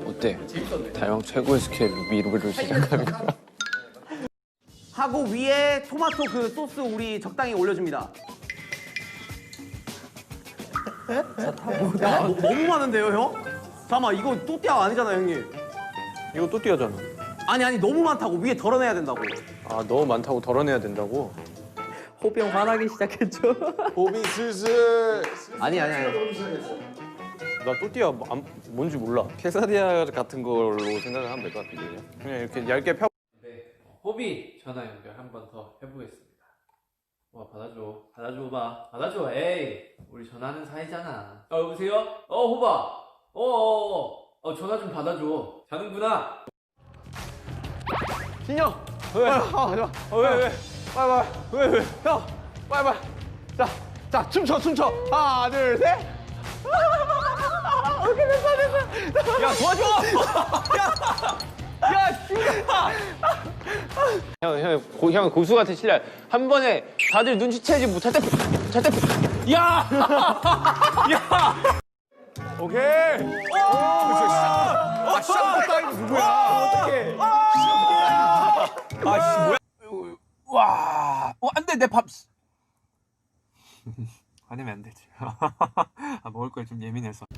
어때? 다영 최고의 스케일 미루를 시작하는 거. 하고 위에 토마토 그 소스 우리 적당히 올려줍니다. 야, 너무 많은데요, 형? 잠깐만, 이거 또띠아 아니잖아, 형님. 이거 또 띄어잖아. 아니, 너무 많다고. 위에 덜어내야 된다고. 아 너무 많다고 덜어내야 된다고? 호비 형 화나기 시작했죠. 호비 슬슬. 아니. 나 또띠아 뭔지 몰라. 케사디아 같은 걸로 생각을 하면 될 것 같은데 그냥 이렇게 얇게 펴. 네, 호비 전화 연결 한 번 더 해보겠습니다. 와 받아줘 봐 받아줘. 에이 우리 전화하는 사이잖아. 여보세요? 호바. 전화 좀 받아줘. 자는구나. 진영. 왜? 왜? 왜? 형, 빨리. 자, 춤춰. 하나, 둘, 셋. 오케이, 됐어. 야, 도와줘. 야, 진짜. 형 고수 같은 실력. 한 번에 다들 눈치채지 못할 때, 야. 오케이. 시작부터 이거 누구야? 어떡해. 아씨 뭐야? 와, 안 돼, 내 밥. 화내면 안 되지. 먹을 거에 좀 예민해서.